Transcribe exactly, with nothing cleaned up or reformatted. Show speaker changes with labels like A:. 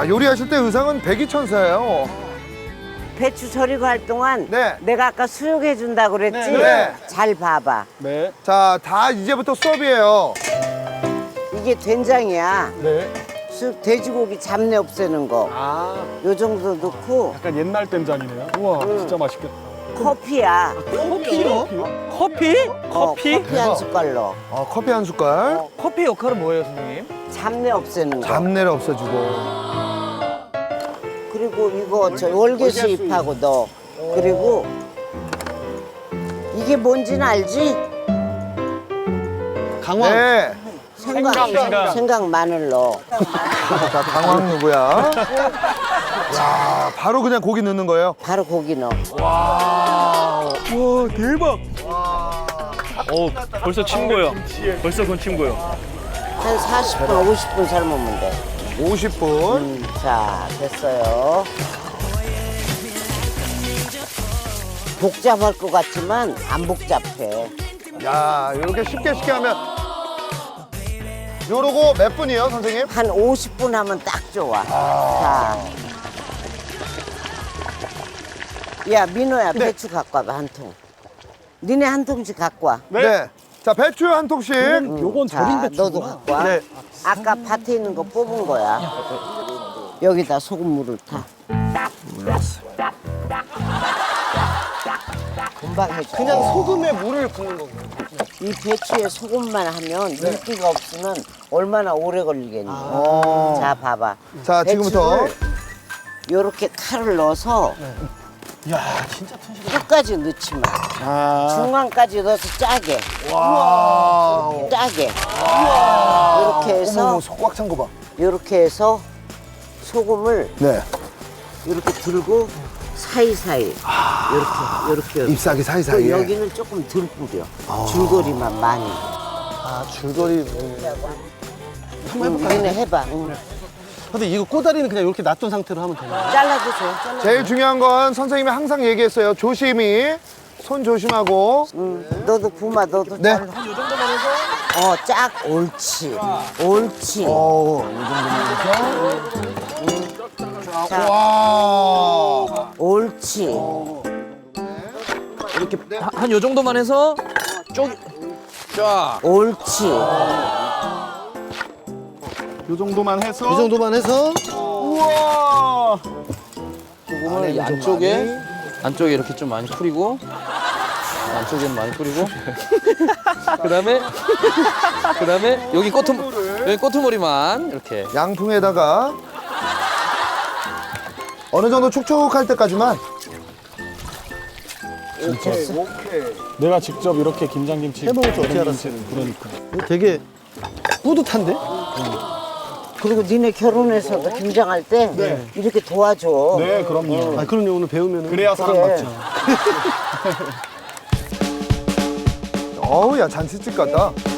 A: 야, 요리하실 때 의상은 백이천사예요.
B: 배추 절이고 할 동안
A: 네.
B: 내가 아까 수육해 준다고 그랬지?
A: 네, 네.
B: 잘 봐봐.
C: 네.
A: 자, 다 이제부터 수업이에요.
B: 이게 된장이야.
C: 네.
B: 수육 돼지고기 잡내 없애는 거.
C: 아,
B: 요 정도 넣고
C: 약간 옛날 된장이네요. 우와, 진짜 맛있겠다.
B: 커피야.
D: 커피요? 커피?
B: 어,
D: 커피?
B: 커피 한 숟갈로.
A: 아, 커피 한 숟갈.
D: 커피 역할은 뭐예요, 선생님?
B: 잡내 없애는 거.
A: 잡내를 없애주고.
B: 그리고 이거 저 월계수 잎하고 넣어. 그리고 이게 뭔지는 알지?
D: 강황.
A: 네.
B: 생강,
D: 생강.
B: 생강 마늘 넣어.
A: 자, 강황 누구야? 야, 바로 그냥 고기 넣는 거예요.
B: 바로 고기 넣어.
D: 와, 대박. 어, 벌써 침 고요. 벌써 그건 침 고요.
B: 한 사십 분, 오십 분 삶으면 돼.
A: 오십 분.
B: 음, 자, 됐어요. 복잡할 것 같지만 안 복잡해.
A: 야, 이렇게 쉽게 쉽게 하면. 요러고 몇 분이에요, 선생님?
B: 한 오십 분 하면 딱 좋아. 자. 야, 민호야,
A: 네.
B: 배추 갖고 와봐, 한 통. 니네 한 통씩 갖고 와.
A: 네. 자, 배추 한 통씩.
B: 음,
C: 요건
B: 자,
C: 절인 배추구나.
B: 너도 갖고 와.
A: 네.
B: 아까 밭에 있는 거 뽑은 거야. 여기다 소금물을 타. 금방 해줘.
C: 그냥 소금에 물을 부는 거고.
B: 이 배추에 소금만 하면 윤기가 없으면 얼마나 오래 걸리겠니?
A: 어.
B: 자, 봐봐.
A: 자, 지금부터.
B: 요렇게 칼을 넣어서
C: 이야, 진짜 튼실해.
B: 끝까지 넣지 마.
C: 아,
B: 중간까지 넣어서 짜게.
A: 와.
B: 짜게. 이렇게 해서
A: 어머, 속 꽉 찬 거 봐.
B: 이렇게 해서 소금을
A: 네.
B: 이렇게 들고 사이사이 이렇게 이렇게 이렇게.
A: 잎사귀 사이사이에.
B: 여기는 조금 덜 뿌려. 줄거리만 많이.
C: 아, 줄거리.
B: 응, 니네 해봐. 응.
C: 근데 이거 꼬다리는 그냥 이렇게 놔둔 상태로 하면 되나요?
B: 잘라도 줘. 잘라도.
A: 제일 중요한 건 선생님이 항상 얘기했어요. 조심히. 손 조심하고.
B: 응. 너도 부마 너도
A: 네.
B: 잘라. 어, 짝 옳지. 옳지.
A: 어, 이 정도면 해서.
B: 자,
A: 와.
B: 옳지.
D: 이렇게 한 요 정도만 해서 쪼 쫙.
B: 옳지.
C: 요 정도만 해서. 이 정도만 해서. 우와.
D: 소금을 안쪽에 안쪽에 이렇게 좀 많이 뿌리고 안쪽에는 많이 뿌리고 그다음에 그다음에 여기 꼬투 여기 꼬투머리만 이렇게
A: 양풍에다가 어느 정도 촉촉할 때까지만.
C: 내가 직접 이렇게 김장김치 해먹을 줄 어떻게 알았어요? 그러니까. 되게 뿌듯한데?
B: 그리고 니네 결혼해서도 김장할 때 이렇게 도와줘.
C: 네, 그럼요. 아, 그럼요. 오늘 배우면 그래야
B: 사람 그래.
C: 맞죠.
A: 어우, 야, 잔치집 같다.